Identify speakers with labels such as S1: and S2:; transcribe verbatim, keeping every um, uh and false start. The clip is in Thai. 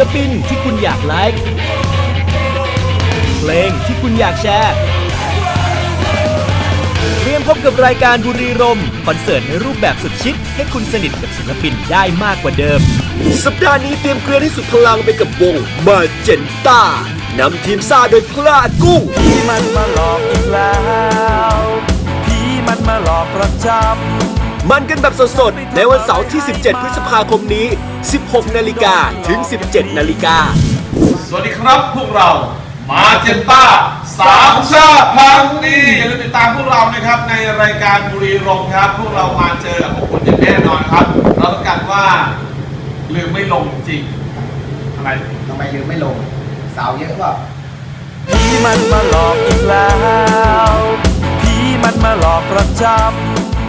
S1: ลปินที่คุณอยากไลค์เพลงที่คุณอยากแชร์เตรียมพบกับรายการบุรีรมย์คอนเสิร์ตในรูปแบบสุดชิคให้คุณสนิทกับศิลปินได้มากกว่าเดิมสัปดาห์นี้เตรียมเกลือให้สุดพลังไปกับวงมาเจนต้านำทีมซ่าโดยพลากุ้ง
S2: ผีมันมาหลอกอีกแล้วผีมันมาหลอกประจำ
S1: มันกันแบบสดๆในวันเสาร์ที่สิบเจ็ดพฤษภาคมนี้สิบหกนาฬิกาถึงสิบเจ็ดนาฬิกา
S3: สวัสดีครับพวกเรามาเจนต้าสามชาติพันธุ์ดีอย่าลืมติดตามพวกเรานะครับในรายการบุรีรมย์ครับพวกเรามาเจอกับพวกคุณอย่างแน่นอนครับเราต้องการว่าลืมไม่ลงจริงอะไร
S4: ทำไมลืมไม่ลงสาวเยอะเปล่า
S2: ผีมันมาหลอกอีกแล้วผีมันมาหลอกประจำ